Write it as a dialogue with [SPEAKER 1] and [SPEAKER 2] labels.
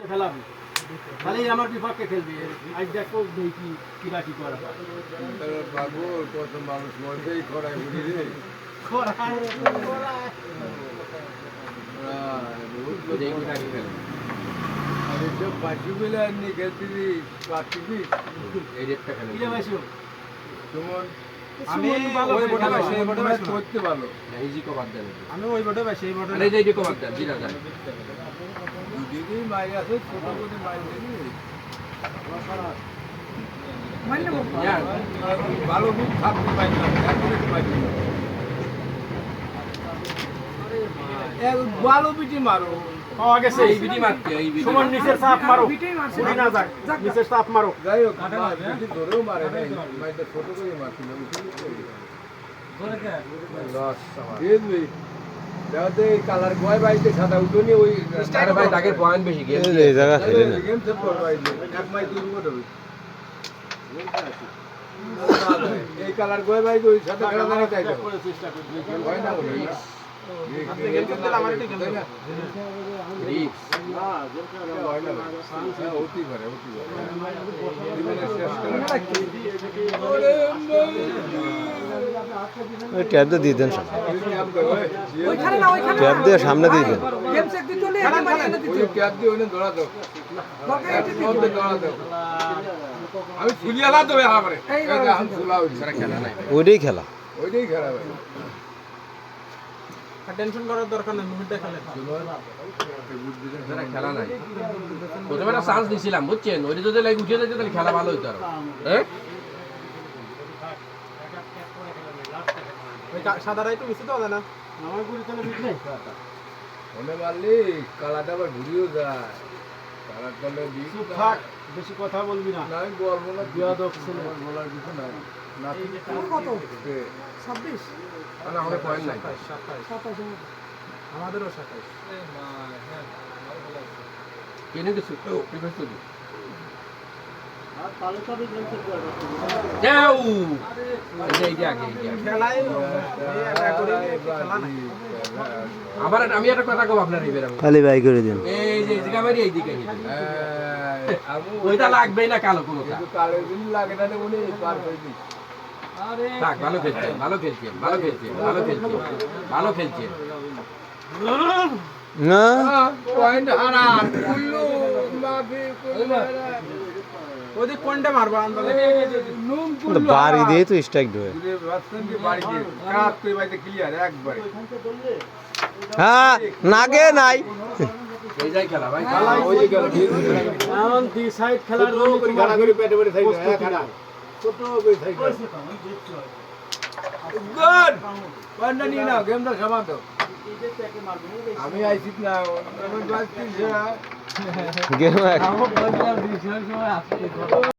[SPEAKER 1] খেলাবি খালি আমার বিপক্ষে খেলবি আজ দেখো দেখি কিরা কি করা
[SPEAKER 2] বাবু কত মানুষ মরবেই খরায় বুঝি রে বাচ্চুগুলো এমনি খেলতেছি পাচ্ছিবি এই রেটটা খেলে তোমার
[SPEAKER 1] আমি
[SPEAKER 2] ওই বটে পাইছি এই বটে পাইছি করতে ভালো
[SPEAKER 1] ইজি কভার দেন
[SPEAKER 3] আমি ওই বটে পাইছি এই বটে
[SPEAKER 1] আরে এই যে কভার দেন জিরা দেন
[SPEAKER 2] দিদি মাই আছে ছোট করে মাই দিদি
[SPEAKER 3] মানে
[SPEAKER 2] ভালো খুব থাকতে পাই না একবারে পাই না এক ভালো বিটি মারো
[SPEAKER 1] পাওয়া গেছে
[SPEAKER 4] এই বিডি মারতে এই বিডি
[SPEAKER 1] সুমন নিচের চাপ মারো উড়ি না যাক নিচের চাপ মারো
[SPEAKER 2] যাই হোক বিটি ধরেও মারে নাই মাইটা ছোট করে মারছিল বুঝলি দেখতে কালার গয় বাইতে সাদা উঠোনি ওই
[SPEAKER 4] আরে ভাই দাগের পয়েন্ট বেশি গেম
[SPEAKER 5] এই জায়গা খেলে না
[SPEAKER 2] গেম সেট করো বাইতে এক মাই দুই গোট হবে এই কালার গয় বাইতে ওই সাদা খেলা না চাই তো
[SPEAKER 1] চেষ্টা করবি
[SPEAKER 2] হয় না বলি
[SPEAKER 3] আপনি গেম খেলতে আমার একটু গেম দেন
[SPEAKER 4] রিক্স
[SPEAKER 1] না জোর করে
[SPEAKER 2] হয় না অতি করে জীবনের শেষ
[SPEAKER 5] ওই ট্যাব দিয়ে দেন সামনে
[SPEAKER 3] ওইখানে না ওইখানে
[SPEAKER 5] ট্যাব দিয়ে সামনে দিয়ে দেন
[SPEAKER 3] গেম সেট দিতে চলে আমি মানে এনে দিতে
[SPEAKER 2] ক্যাপ দিয়ে ওনে দৌড়া দাও
[SPEAKER 3] দরকার
[SPEAKER 2] এক মধ্যে দৌড়া দাও আমি ফুলিয়ালা তো হা করে এই যে আমি ফুলাও
[SPEAKER 4] সারা খেলা নাই
[SPEAKER 5] ওইটাই খেলা
[SPEAKER 2] ওইটাই খারাপ হয়
[SPEAKER 3] টেনশন করার দরকার নেই মুভিটা খেলেন
[SPEAKER 4] সারা খেলা নাই প্রথমে একটা চান্স দিছিলাম বুঝছেন ওইটা যদি লাইক উঠে যেত তাহলে খেলা ভালো হতো আর হ্যাঁ
[SPEAKER 3] ওই সাদারাই তো মিশে তো না
[SPEAKER 1] আমার গুলি তাহলে বুঝলে
[SPEAKER 2] ওনে মারলি কালাটা আবার ঘুরিয়েও যায় কালার করলে
[SPEAKER 1] চুপ থাক বেশি কথা বলবি না
[SPEAKER 2] না আমি বলবো না
[SPEAKER 1] বিয়াদব ছেলে।
[SPEAKER 2] বলার কিছু নাই না
[SPEAKER 3] তোর কত 26
[SPEAKER 4] না আমাদের পয়েন্ট নাই
[SPEAKER 3] 27 আমাদেরও 27
[SPEAKER 4] কেনে কিছু প্রিফারেন্স তো
[SPEAKER 1] আর তাহলে তো আমি গেম খেলতে পারবো
[SPEAKER 4] যাও এই যে আগে
[SPEAKER 3] খেলাই খেলা নাই
[SPEAKER 4] আবার আমি একটা কথা কব আপনার এবারে
[SPEAKER 5] খালি বাই করে দিন
[SPEAKER 4] এই যে জায়গা মারি এই দিকে
[SPEAKER 2] আমি
[SPEAKER 4] ওইটা লাগবেই না কালো কোনোটা
[SPEAKER 2] কিন্তু কালের দিন লাগে না উনি পার করে দিই
[SPEAKER 4] থাক ভালো খেলছেন ভালো খেলছেন ভালো খেলছেন ভালো খেলছেন ভালো খেলছেন
[SPEAKER 5] না
[SPEAKER 2] পয়েন্ট হারা কুল্লু মাফি কুল্লু
[SPEAKER 3] ওদিক কোনটা মারবো আন্দাজে
[SPEAKER 2] নুম
[SPEAKER 5] তো
[SPEAKER 2] কুল্লু
[SPEAKER 5] বাড়ি দিয়ে তো স্ট্রাইক ধরে
[SPEAKER 2] রাস্তান কি বাড়ি দিয়ে কাপ করে বাইতে ক্লিয়ার একবারে
[SPEAKER 5] হ্যাঁ নাগে নাই
[SPEAKER 4] এই যাই খেলা ভাই
[SPEAKER 2] ওই যে গেল
[SPEAKER 1] এখন দি সাইড খেলার জন্য
[SPEAKER 2] করে গাড়া করে পেটে পেটে থাকবে খাড়া ছোট করে থাকবে গুড পয়েন্টটা নিয়ে নাও গেমটা সমাপ্ত আমি আইছি না আমি বাস
[SPEAKER 5] গেম
[SPEAKER 1] আমার বলছিলাম 20 সময় আসছে